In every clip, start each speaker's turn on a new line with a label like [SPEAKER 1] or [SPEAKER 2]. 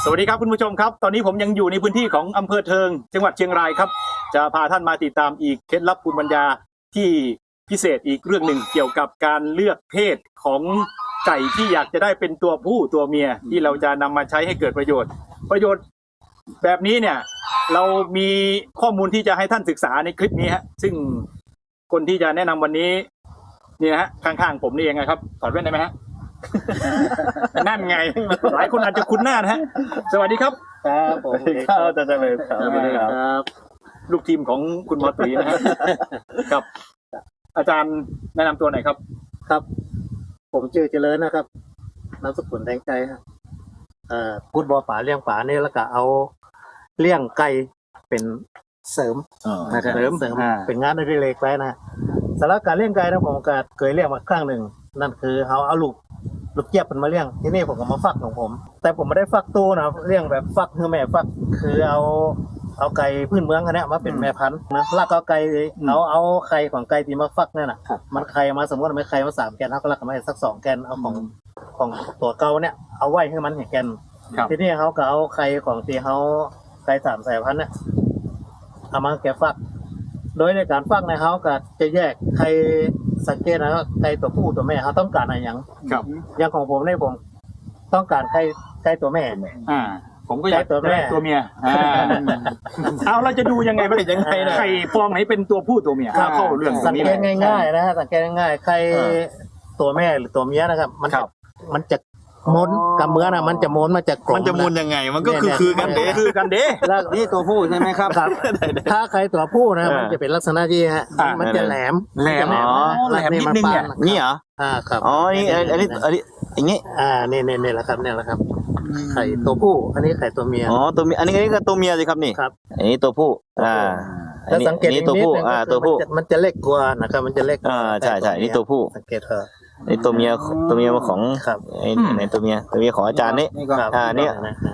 [SPEAKER 1] สวัสดีครับคุณผู้ชมครับตอนนี้ผมยังอยู่ในพื้นที่ของอำเภอเทิงจังหวัดเชียงรายครับจะพาท่านมาติดตามอีกเคล็ดลับภูมิปัญญาที่พิเศษอีกเรื่องหนึ่งเกี่ยวกับการเลือกเพศของไก่ที่อยากจะได้เป็นตัวผู้ตัวเมียที่เราจะนำมาใช้ให้เกิดประโยชน์แบบนี้เนี่ยเรามีข้อมูลที่จะให้ท่านศึกษาในคลิปนี้ฮะซึ่งคนที่จะแนะนำวันนี้นี่นะฮะข้างๆผมนี่เองนะครับถอดแว่นได้ไหมฮะ นั่นไงหลายคนอาจจะคุ้นหน้านะฮะสวัสดีครับ
[SPEAKER 2] ครับผม
[SPEAKER 1] ครับอาจารย์เลยครับลูกทีมของคุณหมอตุ๋ยนะฮะครับอาจารย์แนะนำตัวหน่อยครับ
[SPEAKER 2] ครับผมชื่อเจริญนะครับนามสกุลแดงใจครับพูดบ่อป่าเลี้ยงป่านี่แล้วก็เอาเลี้ยงไก่เป็นเสริมนะครับเสริมเป็นงานอดิเรกไปนะสำหรับการเลี้ยงไก่นะผมก็เคยเลี้ยงมาครั้งหนึ่งนั่นคือเอาลูกเจี๊ยบมันมาเลี้ยงที่นี่ผมก็มาฟักของผมแต่ผมไม่ได้ฟักตัวนะเลี้ยงแบบฟักคือแม่ฟักคือเอาไก่พื้นเมืองอันนี้มาเป็นแม่พันธุ์นะลากเอาไก่เอาไข่ของไก่ที่มาฟักนั่นน่ะมันไข่มาสมมติมันไข่มา3 แกนเขาก็ลักมาสัก2 แกนเอาของตัวเก่าเนี่ยเอาไว้ให้มันเห็นแกนทีนี้เขาก็เอาไข่ของที่เขาไก่3 สายพันธุ์เนี่ยเอามาแกะฟักโดยในการฟักในเขาก็จะแยกไข่สังเกตนะครับไก่ตัวผู้ตัวแม่เขาต้องการอะไรอย่างของผมเนี่ยผมต้องการไก่ตัวแม่
[SPEAKER 1] ผมก็อยากตัวเมียเอาเราจะดูยังไงว่าเป็นยังไงไข่ฟองไหนเป็นตัวผู้ตัวเมียเข้าเรื่อง
[SPEAKER 2] สังเกตง่ายๆนะสังเกตง่ายๆไข่ตัวแม่หรือตัวเมียนะครับมันจะมนกับเมื่อนะมันจะมนมันจะกลม
[SPEAKER 3] มันจะมนยังไงมันก็คือกันเด้
[SPEAKER 2] แล้วนี่ตัวผู้ใช่ไหมครับถ้าใครตัวผู้นะมันจะเป็นลักษณะที่ฮะมันจะแหลม
[SPEAKER 3] นิดนึงนี่เหรอ
[SPEAKER 2] ครับ
[SPEAKER 3] อ๋อนี่อันนี้อย่างงี้
[SPEAKER 2] นี่แหละครับเนี่ยแหละครับไข่ตัวผู้อันนี้ไข่ตัวเมีย
[SPEAKER 3] อ๋อตัวเมียอันนี้ก็ตัวเมียสิครับนี่
[SPEAKER 2] ครับ
[SPEAKER 3] อันนี้ตัวผู้
[SPEAKER 2] ถ้าสังเกต
[SPEAKER 3] ตัวผู้ตัวผู้
[SPEAKER 2] มันจะเล็กกว่านะครับมันจะเล็ก
[SPEAKER 3] ใช่นี่ตัวผู้
[SPEAKER 2] สังเกตเถอะ
[SPEAKER 3] นี่ตัวเมียของในตัวเมียของอาจารย์นี่
[SPEAKER 2] เนี่ย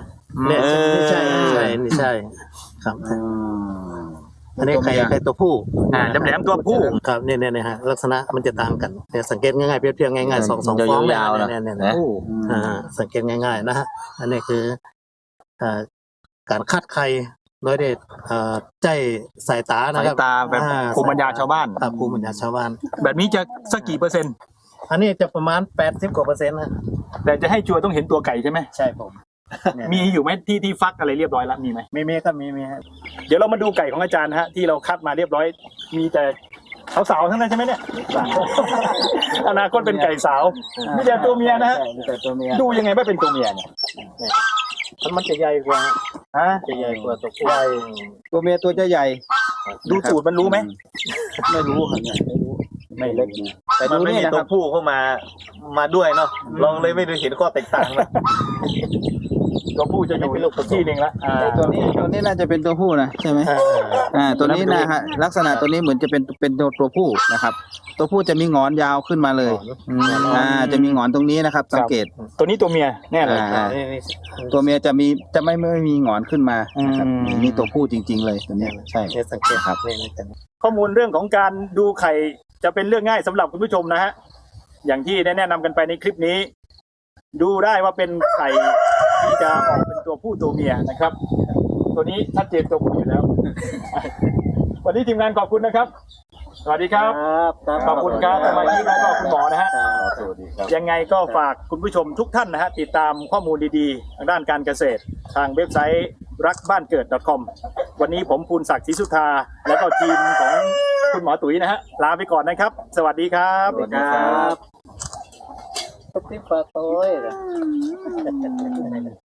[SPEAKER 2] นี่ใช่ครับอันนี้ไข่ตัวผู้
[SPEAKER 1] แหลมตัวผู้
[SPEAKER 2] ครับเนี่ยฮะลักษณะมันจะต่างกันเนี่ยสังเกตง่ายๆเปรียบๆง่ายๆ2 ฟอง
[SPEAKER 3] ยาว
[SPEAKER 2] เนี่ยสังเกตง่ายๆนะฮะอันนี้คือการคัดไข่โดยเด็ดใจสายตานะครับ
[SPEAKER 1] สายตาแบบภูมิปัญญาชาวบ้าน
[SPEAKER 2] ภูมิปัญญาชาวบ้าน
[SPEAKER 1] แบบนี้จะสักกี่เปอร์เซ็นต์
[SPEAKER 2] อันนี้จะประมาณ80 กว่า%นะ
[SPEAKER 1] แต่จะให้ชัวร์ต้องเห็นตัวไก่ใช่ไหม
[SPEAKER 2] ใช่ผม
[SPEAKER 1] มีอยู่ไหมที่ฟักอะไรเรียบร้อยแล้วมีไหม
[SPEAKER 2] มีครับมี
[SPEAKER 1] เดี๋ยวเรามาดูไก่ของอาจารย์ฮะที่เราคัดมาเรียบร้อยมีแต่สาวๆทั้งนั้นใช่ไหมเนี่ยอนาคตเป็นไก่สาวมีแต่ตัวเมียนะฮะดูยังไงว่าเป็นตัวเมียเนี่ย
[SPEAKER 2] มันจะใหญ่กว่าจะใหญ่กว่าตัวผู้
[SPEAKER 3] ตัวเมียตัวจะใหญ่
[SPEAKER 1] ดูสูตรมันรู้ไหม
[SPEAKER 2] ไม่รู้ครับเนี่ยไม่เล็ก
[SPEAKER 3] แต่ดูนี่ตัวผู้เข้ามาด้วยเนาะลองเลยไม่ได้เห็นข้อแตกต่างนะ
[SPEAKER 1] ตัวผู้จะอยู่ที่หนึ่งละ
[SPEAKER 3] ตัวนี้น่าจะเป็นตัวผู้นะใช่ไหมตัวนี้นะฮะลักษณะตัวนี้เหมือนจะเป็นตัวผู้นะครับตัวผู้จะมีหงอนยาวขึ้นมาเลยจะมีหงอนตรงนี้นะครับสังเกต
[SPEAKER 1] ตัวนี้ตัวเมียแน่เลย
[SPEAKER 3] ตัวเมียจะไม่มีหงอนขึ้นมานี่ตัวผู้จริงๆเลยตัวนี้ใช่
[SPEAKER 2] สังเกตครับ
[SPEAKER 1] ข้อมูลเรื่องของการดูไข่จะเป็นเรื่องง่ายสำหรับคุณผู้ชมนะฮะอย่างที่ได้แนะนำกันไปในคลิปนี้ดูได้ว่าเป็นไข่ที่จะออกเป็นตัวผู้ตัวเมียนะครับตัวนี้ชัดเจนตัวผู้อยู่แล้ววันนี้ทีมงานขอบคุณนะครับสวัสดีครับขอบคุณครับสมาชิกและก็คุณหมอนะฮะยังไงก็ฝากคุณผู้ชมทุกท่านนะฮะติดตามข้อมูลดีๆทางด้านการเกษตรทางเว็บไซต์รักบ้านเกิด .com วันนี้ผมภูลศักดิ์ศรีสุธาและก็ทีมของคุณหมอตุ๋ยนะฮะลาไปก่อนนะครับสวัสดีครับ
[SPEAKER 2] ทุกที่ปลาโต้ย